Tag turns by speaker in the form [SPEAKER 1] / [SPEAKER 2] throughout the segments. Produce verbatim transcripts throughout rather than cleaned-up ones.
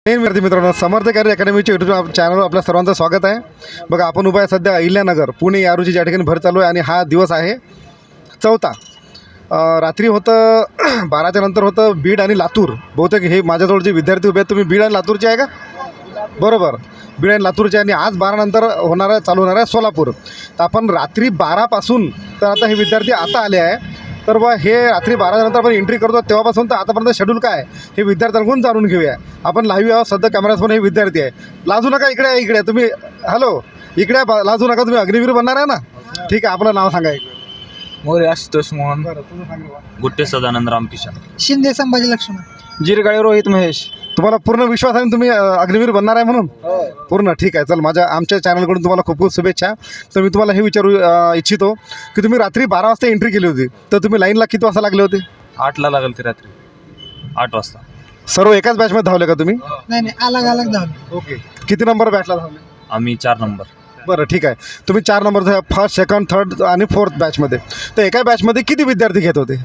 [SPEAKER 1] विद्यार्थी मित्रांनो, समर्थ carrier अकॅडमीच्या YouTube चॅनलवर आपल्या सर्वांचं स्वागत आहे. बघा, आपण उभा आहे सध्या अहिल्यानगर पुणे या रोजी ज्या ठिकाणी भर चालू आहे आणि हा दिवस आहे चौथा. रात्री होतं बाराच्या नंतर होतं बीड आणि लातूर. बहुतेक हे माझ्याजवळ जे विद्यार्थी उभे आहेत, तुम्ही बीड आणि लातूरचे आहे का? बरोबर, बीड आणि लातूरचे. आणि आज बारानंतर होणार आहे चालू होणार आहे सोलापूर. तर आपण रात्री बारापासून तर आता हे विद्यार्थी आता आले आहे. तर बा हे रात्री बारानंतर आपण एंट्री करतो तेव्हापासून तर आतापर्यंत शेड्यूल काय हे विद्यार्थ्यांकडून जाणून घेऊया. आपण लाईव्ह आहोत सध्या कॅमेऱ्यासमोर. हे विद्यार्थी आहे. लाजू नका, इकडे आहे, इकडे तुम्ही. हॅलो, इकडे लाजू नका, तुम्ही अग्निवीर बनणार आहे ना? ठीक आहे, आपलं नाव सांगा.
[SPEAKER 2] मोरे आशुतोष मोहन,
[SPEAKER 1] बरं, तुम्ही सांगा.
[SPEAKER 2] गुट्टे सदानंद रामकिशन,
[SPEAKER 3] शिंदे संभाजी लक्ष्मण,
[SPEAKER 2] जिरगाळे रोहित महेश.
[SPEAKER 1] तुम्हाला पूर्ण विश्वास आहे ना तुम्ही अग्निवीर बनणार आहे म्हणून? पूर्ण. ठीक आहे, चल, माझ्या आमच्या चॅनलकडून तुम्हाला खूप खूप शुभेच्छा. तर मी तुम्हाला हे विचारू इच्छितो की तुम्ही रात्री बारा वाजता एंट्री केली होती, तर तुम्ही लाईनला किती वाजता लागले होते?
[SPEAKER 2] आठला लागल ते रात्री आठ वाजता.
[SPEAKER 1] सर्व एकाच बॅचमध्ये धावले का तुम्ही?
[SPEAKER 3] नाही नाही अलग अलग धावले.
[SPEAKER 1] ओके. किती नंबर बॅचला धावले?
[SPEAKER 2] आम्ही चार नंबर.
[SPEAKER 1] बरं, ठीक आहे. तुम्ही चार नंबर फर्स्ट, सेकंड, थर्ड आणि फोर्थ बॅचमध्ये. तर एका बॅचमध्ये किती विद्यार्थी घेत होते?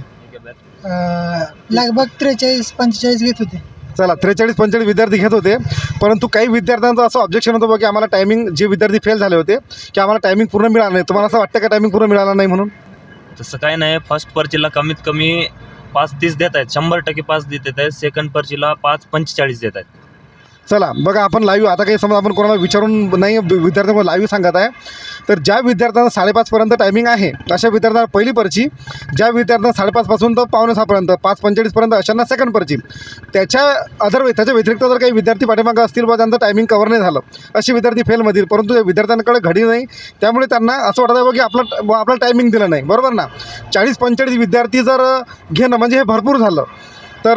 [SPEAKER 3] अं, लगभग त्रेचाळीस पंचेचाळीस घेत होते.
[SPEAKER 1] चला, त्रेचाळीस पंचेचाळीस विद्यार्थी घेत होते. परंतु काही विद्यार्थ्यांचं असं ऑब्जेक्शन होतं बघा की आम्हाला टायमिंग, जे विद्यार्थी फेल झाले होते की आम्हाला टायमिंग पूर्ण मिळाला नाही. तुम्हाला असं वाटतं का टायमिंग पूर्ण मिळाला नाही म्हणून?
[SPEAKER 2] तसं काही नाही. फर्स्ट पर्चीला कमीत कमी पाच तीस देत आहेत, शंभर टक्के पाच देत आहेत. सेकंड पर्चीला पाच पंचेचाळीस देत आहेत.
[SPEAKER 1] चला बघा, आपण लाईव्ह आता काही समजा आपण कोणाला विचारून नाही विद्यार्थ्यांना लाईव्ह सांगत आहे. तर ज्या विद्यार्थ्यांना साडेपाचपर्यंत टायमिंग आहे अशा विद्यार्थ्यांना पहिली पर्ची, ज्या विद्यार्थ्यांना साडेपाचपासून तर पावणे सहापर्यंत पाच पंचेचाळीसपर्यंत अशांना सेकंड पर्ची. त्याच्या अदर त्याच्या व्यतिरिक्त जर काही विद्यार्थी पाठीमागं असतील बा त्यांचं टायमिंग कवर नाही झालं, असे विद्यार्थी फेलमधील, परंतु त्या विद्यार्थ्यांकडे घडी नाही, त्यामुळे त्यांना असं वाटतं बघा की आपलं आपलं टायमिंग दिलं नाही. बरोबर ना? चाळीस पंचेचाळीस विद्यार्थी जर घेणं म्हणजे हे भरपूर झालं. तर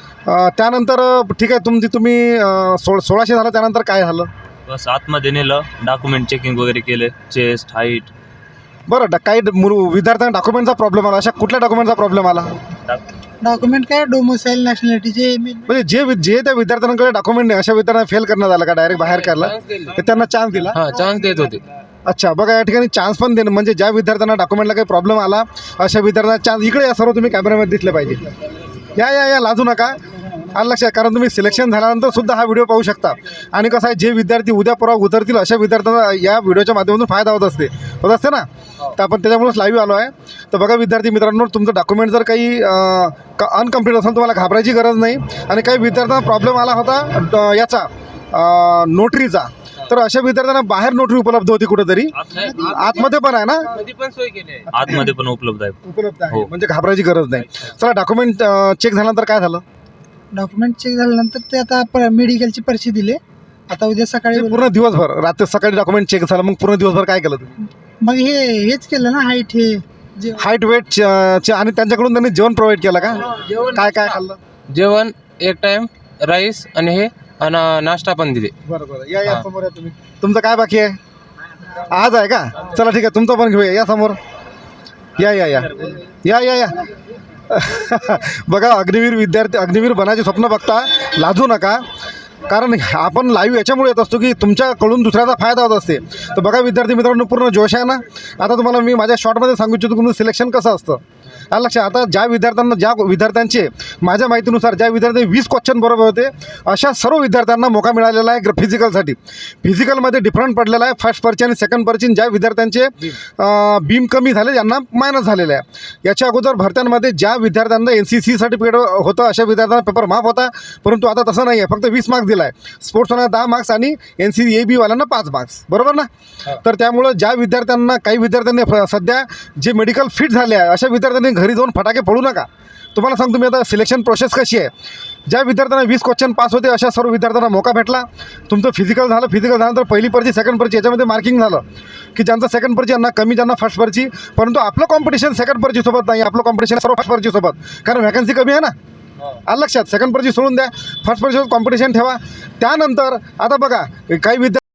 [SPEAKER 1] त्यानंतर ठीक आहे, तुमची तुम्ही सोळ सोळाशे झालं, त्यानंतर काय झालं?
[SPEAKER 2] बस आतमध्ये नेलं, डॉक्युमेंट चेकिंग वगैरे केले, चेस्ट हाईट.
[SPEAKER 1] बरं, ड काही विद्यार्थ्यांना डॉक्युमेंटचा प्रॉब्लेम आला. अशा कुठल्या डॉक्युमेंटचा प्रॉब्लेम आला?
[SPEAKER 3] डॉक्युमेंट काय डोमोसाईल नॅशनॅलिटीचे.
[SPEAKER 1] म्हणजे जे जे त्या विद्यार्थ्यांकडे डॉक्युमेंट नाही अशा विद्यार्थ्यांना फेल करण्यात आलं का? डायरेक्ट बाहेर काढला? तर त्यांना चान्स दिला?
[SPEAKER 2] हां, चान्स देत होते.
[SPEAKER 1] अच्छा, बघा, या ठिकाणी चान्स पण देणं म्हणजे ज्या विद्यार्थ्यांना डॉक्युमेंटला काही प्रॉब्लेम आला अशा विद्यार्थ्यांना चान्स. इकडे या सर्व तुम्ही कॅमेऱ्यामध्ये दिसले पाहिजे. या या या लाजू नका, आलं लक्षात. कारण तुम्ही सिलेक्शन झाल्यानंतर सुद्धा हा व्हिडिओ पाहू शकता. आणि कसं आहे, जे विद्यार्थी उद्या परवा उतरतील अशा विद्यार्थ्यांना या व्हिडिओच्या माध्यमातून फायदा होत असते होत असते ना. तर आपण त्याच्यामुळेच लाईव्ह आलो आहे. तर बघा विद्यार्थी मित्रांनो, तुमचं डॉक्युमेंट जर काही अनकम्प्लीट असेल तुम्हाला घाबरायची गरज नाही. आणि काही विद्यार्थ्यांना प्रॉब्लेम आला होता याचा नोटरीचा, तर अशा विद्यार्थ्यांना बाहेर नोटरी उपलब्ध होती कुठेतरी, आतमध्ये पण आहे ना?
[SPEAKER 2] आतमध्ये पण उपलब्ध आहे.
[SPEAKER 1] उपलब्ध आहे, म्हणजे घाबरायची गरज नाही. चला, डॉक्युमेंट चेक झाल्यानंतर काय झालं?
[SPEAKER 3] डॉक्युमेंट चेक झाल्यानंतर ते आता मेडिकलची पर्ची दिली. आता उद्या सकाळी
[SPEAKER 1] पूर्ण दिवसभर, रात्री सकाळी डॉक्युमेंट चेक झालं, मग पूर्ण दिवसभर काय केलं तुम्ही?
[SPEAKER 3] मग हे हेच केलं ना, हाईट हे जे
[SPEAKER 1] हाईट वेट आणि त्यांच्याकडून त्यांनी जेवण प्रोव्हाइड केलं का? काय काय खाल्लं?
[SPEAKER 4] जेवण एक टाइम, राईस आणि हे आणि नाश्ता पण दिले.
[SPEAKER 1] बरं बरं, या या समोर या तुम्ही. तुमचं काय बाकी आहे? आज आहे का? चला ठीक आहे, तुमचं पण घेऊया. या समोर या या या या या या बघा, अग्निवीर विद्यार्थी, अग्निवीर बनायचे स्वप्न बघता, लाजू नका. कारण आपण लाईव्ह याच्यामुळे येत असतो की तुमच्याकडून दुसऱ्याचा फायदा होत असते. तर बघा विद्यार्थी मित्रांनो, पूर्ण जोश आहे ना. आता तुम्हाला मी माझ्या शॉर्टमध्ये सांगू इच्छितो तुमचं सिलेक्शन कसं असतं. आलं लक्षात. आता ज्या विद्यार्थ्यांना, ज्या विद्यार्थ्यांचे माझ्या माहितीनुसार ज्या विद्यार्थी वीस क्वेश्चन बरोबर होते अशा सर्व विद्यार्थ्यांना मोका मिळालेला आहे फिजिकलसाठी. फिजिकलमध्ये डिफरंट पडलेला आहे. फर्स्ट पर्ची आणि सेकंड पर्ची. ज्या विद्यार्थ्यांचे बीम कमी झाले त्यांना मायनस झालेलं आहे. याच्या अगोदर भरत्यांमध्ये ज्या विद्यार्थ्यांना एन सी सी सर्टिफिकेट होतं अशा विद्यार्थ्यांना पेपर माफ होता, परंतु आता तसं नाही आहे. फक्त वीस मार्क्स दिला आहे. स्पोर्ट्सवाल्यांना दहा मार्क्स आणि एन सी ए बीवाल्यांना पाच मार्क्स. बरोबर ना? तर त्यामुळं ज्या विद्यार्थ्यांना, काही विद्यार्थ्यांनी सध्या जे मेडिकल फिट झाले आहे अशा विद्यार्थ्यांनी घरी जाऊन फटाके फोडू नका. तुम्हाला सांगतो मी आता सिलेक्शन प्रोसेस कशी आहे. ज्या विद्यार्थ्यांना वीस क्वेश्चन पास होते अशा सर्व विद्यार्थ्यांना मोका भेटला. तुमचं फिजिकल झालं, फिजिकल झाल्यानंतर पहिली पर्ची, सेकंड पर्ची याच्यामध्ये मार्किंग झालं की ज्यांचं सेकंड पर्ची यांना कमी, ज्यांना फर्स्ट पर्ची. परंतु आपलं कॉम्पिटिशन सेकंड पर्चीसोबत नाही, आपलं कॉम्पिटिशन सर्व फर्स्ट पर्चीसोबत, कारण व्हॅकन्सी कमी आहे ना. आलं लक्षात. सेकंड पर्ची सोडून द्या, फर्स्ट पर्चीसोबत कॉम्पिटिशन ठेवा. त्यानंतर आता बघा, काही विद्यार्थी